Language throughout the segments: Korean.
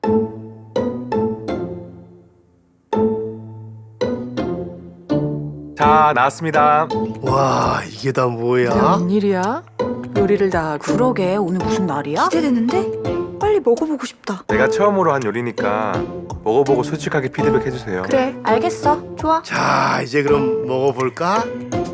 자, 나왔습니다. 와, 이게 다 뭐야? 웬일이야? 요리를 다 하고. 그러게 오늘 무슨 날이야? 기대되는데? 빨리 먹어보고 싶다. 내가 처음으로 한 요리니까 먹어보고 솔직하게 피드백 해주세요. 그래 알겠어. 좋아. 자, 이제 그럼 먹어볼까?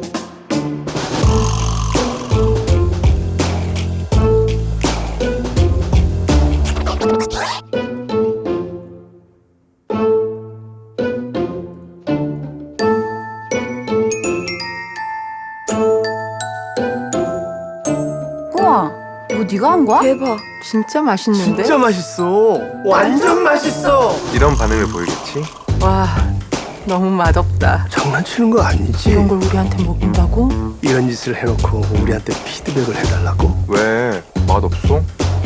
우와 이거 네가 한 거야? 대박. 진짜 맛있는데? 진짜 맛있어. 완전 맛있어. 이런 반응을 보이겠지? 와, 너무 맛없다. 장난치는 거 아니지? 이런 걸 우리한테 먹인다고? 이런 짓을 해놓고 우리한테 피드백을 해달라고? 왜? 맛없어?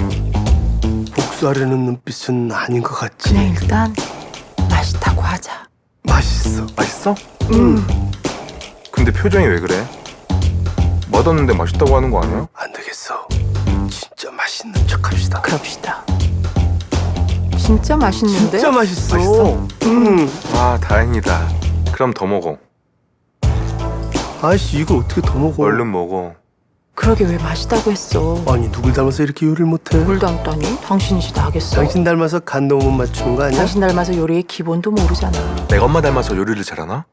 복수하려는 눈빛은 아닌 것 같지? 그냥 일단 맛있다고 하자. 맛있어. 맛있어? 근데 표정이 왜 그래? 맛없는데 맛있다고 하는 거 아니야? 안 되겠어. 진짜 맛있는 척합시다. 그럽시다. 진짜 맛있는데? 진짜 맛있어. 맛있어? 음. 아, 다행이다. 그럼 더 먹어. 아이씨, 이걸 어떻게 더 먹어? 얼른 먹어. 그러게 왜 맛있다고 했어? 아니, 누굴 닮아서 이렇게 요리를 못해? 뭘 닮다니? 당신이지 다 하겠어. 당신 닮아서 간도 못 맞추는 거 아니야? 당신 닮아서 요리의 기본도 모르잖아. 내가 엄마 닮아서 요리를 잘하나?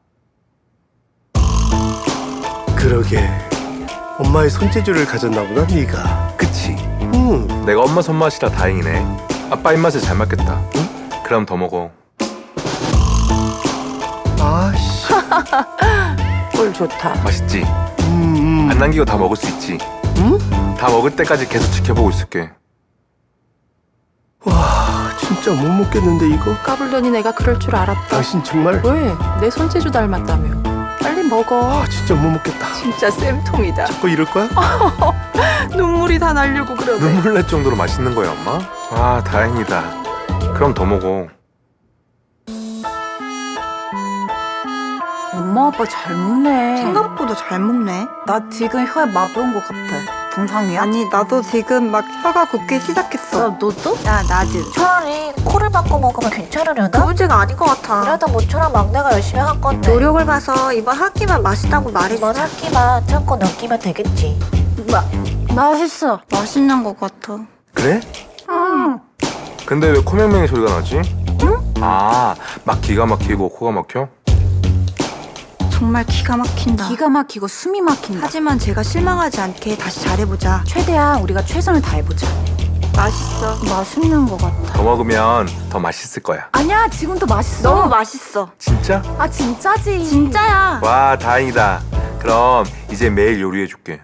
그러게. 엄마의 손재주를 가졌나 보다, 네가. 그치? 응. 내가 엄마 손맛이라 다행이네. 아빠 입맛에 잘 맞겠다. 응? 그럼 더 먹어. 아씨. 꿀 좋다. 맛있지? 안 남기고 다 먹을 수 있지? 응? 다 먹을 때까지 계속 지켜보고 있을게. 와, 진짜 못 먹겠는데 이거? 까불더니 내가 그럴 줄 알았다. 당신 정말. 왜? 내 손재주 닮았다며. 빨리 먹어. 아, 진짜 못 먹겠다. 진짜 쌤통이다. 자꾸 이럴 거야? 눈물이 다 나려고 그러네. 눈물 날 정도로 맛있는 거야, 엄마? 아, 다행이다. 그럼 더 먹어. 엄마 아빠 잘 먹네. 생각보다 잘 먹네. 나 지금 혀에 맛본 것 같아. 동상이야? 아니 나도 지금 막 혀가 굳기 시작했어. 너도? 야 나도. 차라리 코를 바꿔 먹으면 괜찮으려나? 그 문제가 아닌 것 같아. 그래도 모처럼 막내가 열심히 한 건데 노력을 봐서 이번 학기만 맛있다고 이번 말해주자. 학기만 참고 넘기면 되겠지. 맛있어. 맛있는 것 같아. 그래? 근데 왜 코맹맹이 소리가 나지? 아, 막 기가 막히고 코가 막혀? 정말 기가 막힌다. 기가 막히고 숨이 막힌다. 하지만 제가 실망하지 않게 다시 잘해보자. 최대한 우리가 최선을 다해보자. 맛있어. 맛있는 것 같아. 더 먹으면 더 맛있을 거야. 아니야 지금도 맛있어. 너무 맛있어. 진짜? 아 진짜지. 진짜야. 와, 다행이다. 그럼 이제 매일 요리해줄게.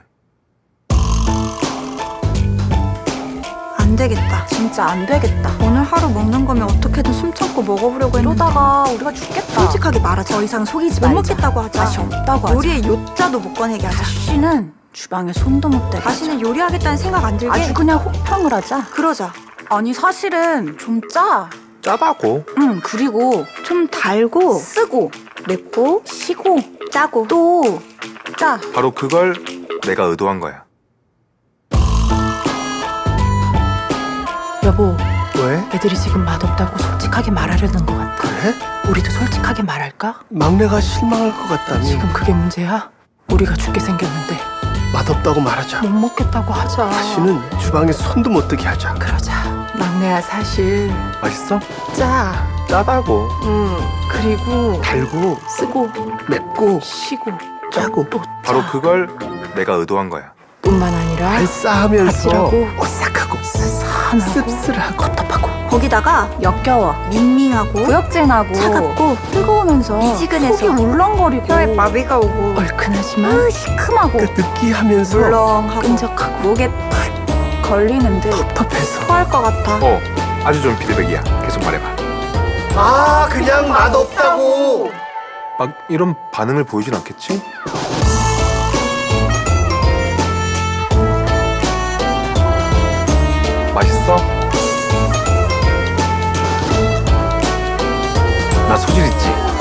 안 되겠다. 진짜 안 되겠다. 오늘 하루 먹는 거면 어떻게든 숨 참고 먹어보려고 했는데. 이러다가 우리가 죽겠다. 솔직하게 말하자. 더 이상 속이지 못 말자. 먹겠다고 하자. 맛이 없다고 하자. 요리의 요자도 못 꺼내게 하자. 다시는 주방에 손도 못 대게 다시는 요리하겠다는 생각 안 들게. 아주 그냥 혹평을 하자. 그러자. 아니 사실은 좀 짜. 짜다고? 응 그리고 좀 달고 쓰고 맵고 시고 짜고. 또 짜. 바로 그걸 내가 의도한 거야. 여보, 왜? 애들이 지금 맛없다고 솔직하게 말하려는 것 같아. 그래? 우리도 솔직하게 말할까? 막내가 실망할 것 같다며. 지금 그게 문제야? 우리가 죽게 생겼는데 맛없다고 말하자. 못 먹겠다고 하자. 다시는 주방에 손도 못 대게 하자. 그러자. 막내야 사실 맛있어? 짜. 짜다고. 그리고 달고 쓰고 맵고 시고 짜고 또 바로 그걸 내가 의도한 거야. 뿐만 아니라 알싸하면서 아찔하고 오싹하고 산하고 씁쓸하고 텁텁하고 거기다가 역겨워. 밍밍하고 구역질나고 차갑고 뜨거우면서 미지근해서 속이 울렁거리고 혀에 마비가 오고 얼큰하지만 시큼하고 그 느끼하면서 물렁하고 끈적하고 목에 탁 걸리는데 텁텁해서. 토할 것 같아. 아주 좋은 피드백이야. 계속 말해봐. 아, 그냥 맛없다고. 막 이런 반응을 보이진 않겠지? 맛있어? 나 소질 있지?